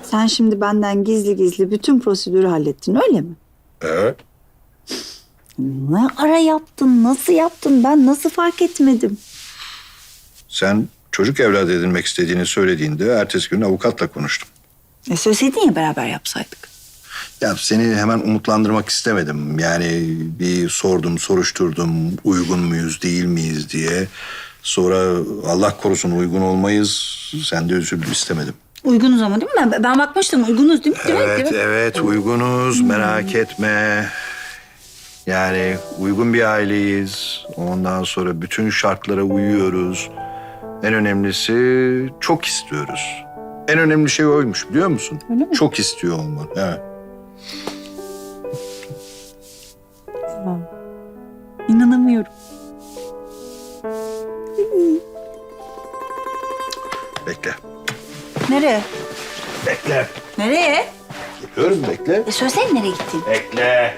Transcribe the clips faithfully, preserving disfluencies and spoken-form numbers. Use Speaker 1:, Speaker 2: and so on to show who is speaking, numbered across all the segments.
Speaker 1: Sen şimdi benden gizli gizli bütün prosedürü hallettin öyle mi?
Speaker 2: Evet.
Speaker 1: Ne ara yaptın, nasıl yaptın? Ben nasıl fark etmedim?
Speaker 2: Sen çocuk evlat edinmek istediğini söylediğinde ertesi gün avukatla konuştum.
Speaker 1: E söyleseydin ya beraber yapsaydık.
Speaker 2: Ya seni hemen umutlandırmak istemedim. Yani bir sordum, soruşturdum uygun muyuz, değil miyiz diye. Sonra Allah korusun uygun olmayız. Sen de üzül istemedim.
Speaker 1: Uygunuz ama değil mi? Ben, ben bakmıştım uygunuz değil mi? Değil mi?
Speaker 2: Evet,
Speaker 1: Değil mi?
Speaker 2: evet uygunuz. Merak etme. Yani uygun bir aileyiz. Ondan sonra bütün şartlara uyuyoruz. En önemlisi çok istiyoruz. En önemli şey oymuş biliyor musun?
Speaker 1: Öyle mi?
Speaker 2: Çok istiyor olman. Evet.
Speaker 1: İnanamıyorum.
Speaker 2: Bekle.
Speaker 1: Nereye?
Speaker 2: Bekle.
Speaker 1: Nereye?
Speaker 2: Geliyorum bekle.
Speaker 1: E söylesene nereye gittin?
Speaker 2: Bekle.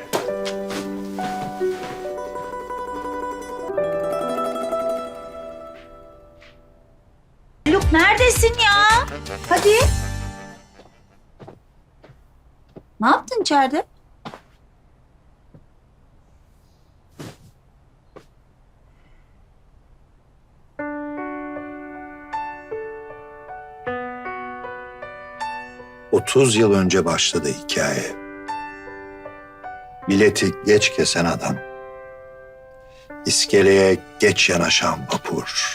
Speaker 1: Haluk neredesin ya? Hadi. Ne yaptın içeride?
Speaker 2: otuz yıl önce başladı hikaye. Bileti geç kesen adam. İskeleye geç yanaşan vapur.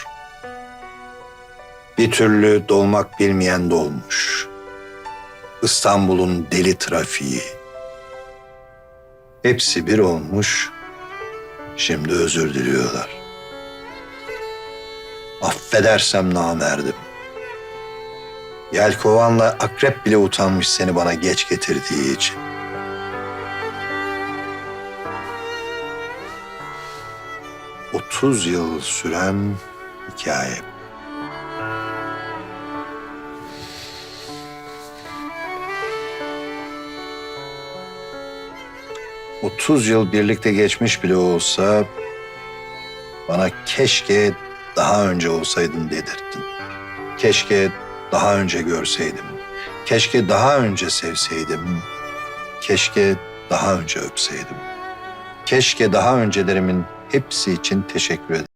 Speaker 2: Bir türlü dolmak bilmeyen dolmuş. İstanbul'un deli trafiği. Hepsi bir olmuş. Şimdi özür diliyorlar. Affedersem namerdim. Yelkovanla akrep bile utanmış seni bana geç getirdiği için. Otuz yıl süren hikaye. Otuz yıl birlikte geçmiş bile olsa bana keşke daha önce olsaydın dedirttin. Keşke daha önce görseydim. Keşke daha önce sevseydim. Keşke daha önce öpseydim. Keşke daha öncelerimin hepsi için teşekkür ederim.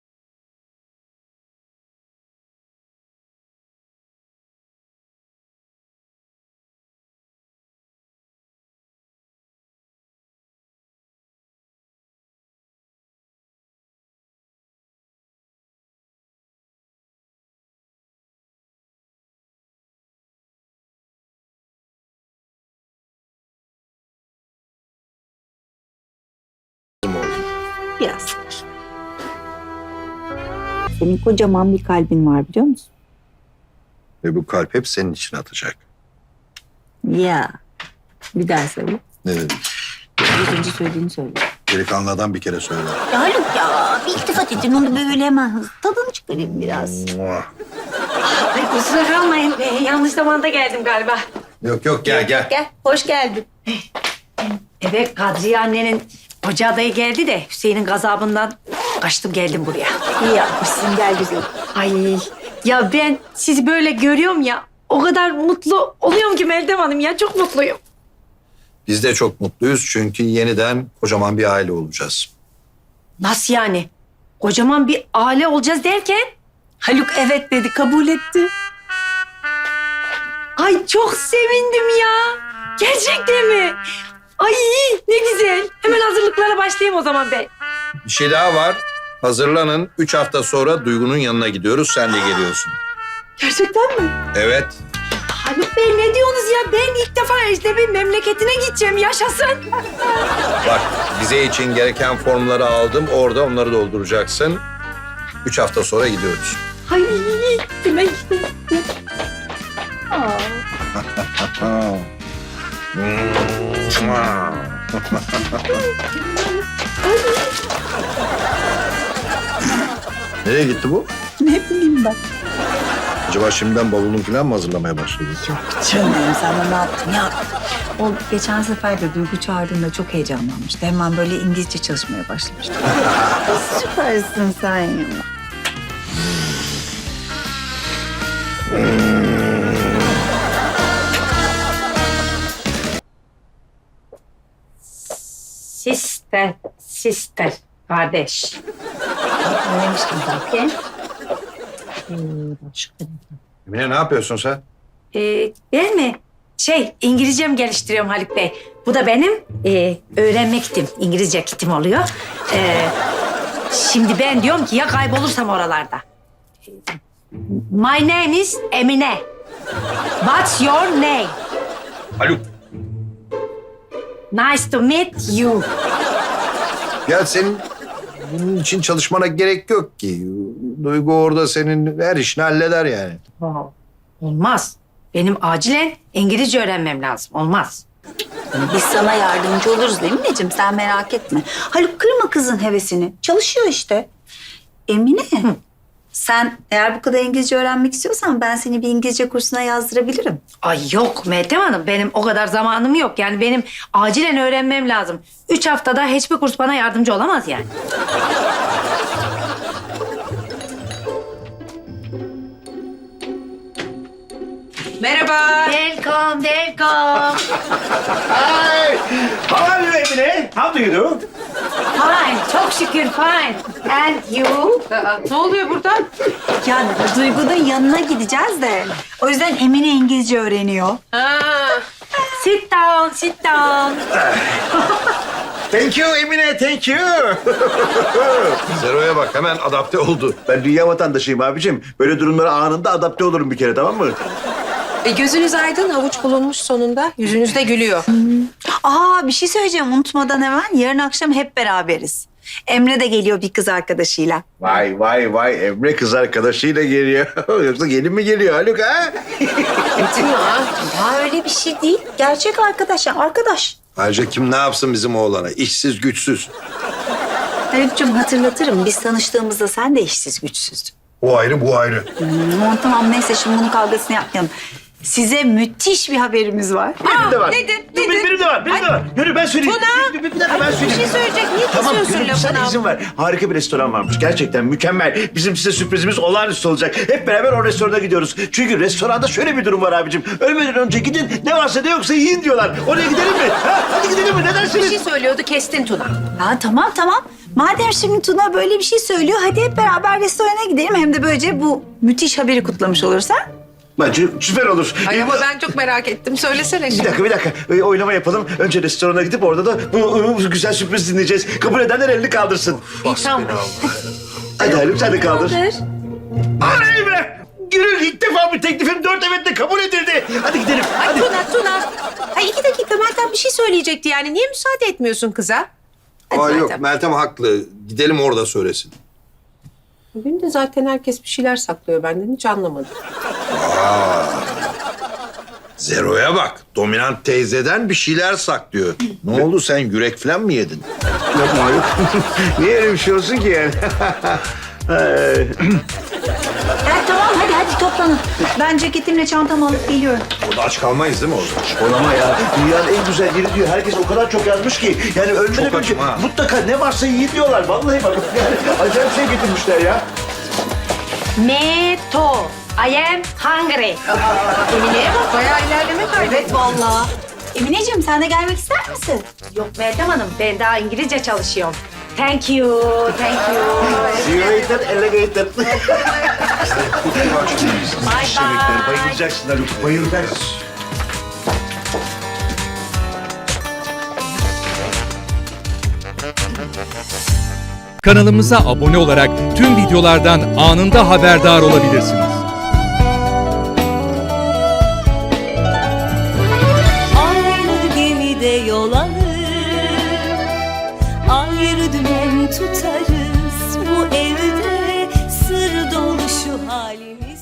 Speaker 1: Biraz. Senin kocaman bir kalbin var biliyor musun?
Speaker 2: Ve bu kalp hep senin için atacak.
Speaker 1: Ya. Bir daha söyle.
Speaker 2: Ne dedim?
Speaker 1: Az önce söylediğini söyle.
Speaker 2: Delikanlı adam bir kere söyle.
Speaker 1: Ya Haluk ya bir iltifat edin onu böyle hemen hızlı. Tadını çıkarayım biraz.
Speaker 2: Muah.
Speaker 3: Ay kusura kalmayın. Ee, yanlış zamanda geldim galiba.
Speaker 2: Yok yok gel gel.
Speaker 1: Gel hoş geldin.
Speaker 3: Evet Kadriye annenin hoca adayı geldi de Hüseyin'in gazabından kaçtım geldim buraya.
Speaker 1: İyi yapmışsın gel güzel.
Speaker 3: Ay ya ben sizi böyle görüyorum ya o kadar mutlu oluyorum ki Meltem Hanım ya çok mutluyum.
Speaker 2: Biz de çok mutluyuz çünkü yeniden kocaman bir aile olacağız.
Speaker 3: Nasıl yani? Kocaman bir aile olacağız derken?
Speaker 1: Haluk evet dedi kabul etti.
Speaker 3: Ay çok sevindim ya. Gerçekten mi? Ay ne güzel. Hemen hazırlıklara başlayayım o zaman ben.
Speaker 2: Bir şey daha var. Hazırlanın. Üç hafta sonra Duygu'nun yanına gidiyoruz. Sen de geliyorsun.
Speaker 3: Gerçekten mi?
Speaker 2: Evet.
Speaker 3: Haluk Bey ne diyorsunuz ya? Ben ilk defa Ejdebi memleketine gideceğim. Yaşasın.
Speaker 2: Bak vize için gereken formları aldım. Orada onları dolduracaksın. Üç hafta sonra gidiyoruz.
Speaker 3: Ay hemen gideyim.
Speaker 2: Nereye gitti bu?
Speaker 1: Ne bileyim ben.
Speaker 2: Acaba şimdiden bavulunu falan mı hazırlamaya başladı?
Speaker 1: Canım sen de ne yaptın ya? O geçen sefer de Duygu çağırdığında çok heyecanlanmıştı. Hemen böyle İngilizce çalışmaya başlamıştı. Süpersin sen ya.
Speaker 3: Sister, sister, kardeş.
Speaker 1: Öğrenmiştim zaten.
Speaker 2: Emine ne yapıyorsun sen?
Speaker 3: Ee, ben mi? Şey, İngilizcem geliştiriyorum Haluk Bey. Bu da benim e, öğrenme kitim. İngilizce kitim oluyor. Ee, şimdi ben diyorum ki ya kaybolursam oralarda. My name is Emine. What's your name?
Speaker 2: Haluk.
Speaker 3: Nice to meet you.
Speaker 2: Ya senin bunun için çalışmana gerek yok ki. Duygu orada senin her işini halleder yani.
Speaker 3: Wow. Olmaz. Benim acilen İngilizce öğrenmem lazım. Olmaz.
Speaker 1: Biz sana yardımcı oluruz değil mi Necim? Sen merak etme. Haluk kırma kızın hevesini. Çalışıyor işte. Emine, sen eğer bu kadar İngilizce öğrenmek istiyorsan ben seni bir İngilizce kursuna yazdırabilirim.
Speaker 3: Ay yok Meltem Hanım. Benim o kadar zamanım yok. Yani benim acilen öğrenmem lazım. Üç haftada hiçbir kurs bana yardımcı olamaz yani.
Speaker 4: Merhaba.
Speaker 3: Welcome, welcome.
Speaker 5: Hi! How are you, Emine? How do you do?
Speaker 3: Fine, çok şükür fine. And you?
Speaker 4: Aa, ne oluyor burada?
Speaker 1: Yani Duygu'nun yanına gideceğiz de. O yüzden Emine İngilizce öğreniyor.
Speaker 4: Ha,
Speaker 3: Sit down, sit down.
Speaker 5: Thank you Emine, thank you.
Speaker 2: Zero'ya bak hemen adapte oldu.
Speaker 5: Ben dünya vatandaşıyım abicim. Böyle durumlara anında adapte olurum bir kere, tamam mı?
Speaker 4: e, gözünüz aydın, havuç bulunmuş sonunda. Yüzünüz de gülüyor.
Speaker 1: Aa bir şey söyleyeceğim unutmadan hemen. Yarın akşam hep beraberiz. Emre de geliyor bir kız arkadaşıyla.
Speaker 5: Vay vay vay, Emre kız arkadaşıyla geliyor. Yoksa gelin mi geliyor Haluk ha?
Speaker 1: Ya öyle bir şey değil. Gerçek arkadaş ya arkadaş.
Speaker 2: Ayrıca kim ne yapsın bizim oğlana? İşsiz güçsüz.
Speaker 1: Haluk'cum hatırlatırım. Biz tanıştığımızda sen de işsiz güçsüzdün.
Speaker 2: O ayrı bu ayrı.
Speaker 1: Tamam tamam neyse şimdi bunun kavgasını yapmayalım. Size müthiş bir haberimiz var.
Speaker 5: Benim de var.
Speaker 4: nedir,
Speaker 5: Dur,
Speaker 4: nedir?
Speaker 5: Benim, benim de var, benim de var. Yürü ben söyleyeyim.
Speaker 4: Tuna!
Speaker 5: Bir, bir, bir dakika ben söyleyeyim.
Speaker 4: Bir şey söyleyecek. Niye
Speaker 5: Tamam,
Speaker 4: kesiyorsun
Speaker 5: yürü,
Speaker 4: lafını?
Speaker 5: sen izin ver. Harika bir restoran varmış. Gerçekten mükemmel. Bizim size sürprizimiz olağanüstü olacak. Hep beraber o restorana gidiyoruz. Çünkü restoranda şöyle bir durum var abicim. Ölmeden önce gidin, ne varsa ne yoksa yiyin diyorlar. Oraya gidelim mi? Ha? Hadi gidelim mi? Ne
Speaker 4: Bir
Speaker 5: dersiniz?
Speaker 4: şey söylüyordu, kestin Tuna.
Speaker 1: Ya tamam tamam. Madem şimdi Tuna böyle bir şey söylüyor hadi hep beraber restorana gidelim. Hem de böylece bu müthiş haberi kutlamış olursa.
Speaker 5: Bence süper olur.
Speaker 4: Ay
Speaker 5: Ee,
Speaker 4: ama ben çok merak ettim. Söylesene
Speaker 5: Bir
Speaker 4: şimdi.
Speaker 5: dakika, bir dakika. Ee, oylama yapalım. Önce restorana gidip orada da bu, bu güzel sürpriz dinleyeceğiz. Kabul edenler elini kaldırsın.
Speaker 4: İyi, tamam.
Speaker 5: Hadi Haluk sen de kaldır.
Speaker 1: Kaldır.
Speaker 5: Oley be! Gönül ilk defa bir teklifim dört evetle kabul edildi. Hadi gidelim.
Speaker 4: Ay
Speaker 5: Hadi.
Speaker 4: Tuna, Tuna. Ay iki dakika Meltem bir şey söyleyecekti yani. Niye müsaade etmiyorsun kıza? Hadi
Speaker 2: Aa, yok
Speaker 4: Meltem.
Speaker 2: Meltem haklı. Gidelim orada söylesin.
Speaker 4: Bugün de zaten herkes bir şeyler saklıyor benden. Hiç anlamadım.
Speaker 2: Zero'ya bak. Dominant teyzeden bir şeyler saklıyor. Ne oldu sen yürek falan mı yedin?
Speaker 5: Yapma Haluk. Niye öyle bir şey olsun ki yani? Ay.
Speaker 1: Evet tamam hadi hadi toplanın. Ben ceketimle çantamı alıp geliyorum.
Speaker 2: Orada aç kalmayız değil mi orada?
Speaker 5: Olama ya. Dünyanın en güzel yeri diyor. Herkes o kadar çok yazmış ki. Yani ölmeden
Speaker 2: Çok
Speaker 5: önce
Speaker 2: açım ha.
Speaker 5: mutlaka ne varsa yiyin diyorlar. Vallahi bak. Yani acayip şey getirmişler ya.
Speaker 3: Me too. I am hungry.
Speaker 4: Emine'ye bak bayağı ilerleme kaydetti.
Speaker 1: Evet vallahi. Emineciğim sen de gelmek ister misin?
Speaker 3: Yok Meltem Hanım, ben daha İngilizce çalışıyorum. Thank you, thank you.
Speaker 5: See you later, alligator.
Speaker 3: Bye
Speaker 5: Yemekler
Speaker 3: bye.
Speaker 5: bayılacaksın Haluk. Bayılacaksın.
Speaker 6: Kanalımıza abone olarak tüm videolardan anında haberdar olabilirsiniz.
Speaker 7: Aynı gemide yol alır, ayrı dümen tutarız. Bu evde sır dolu şu halimiz.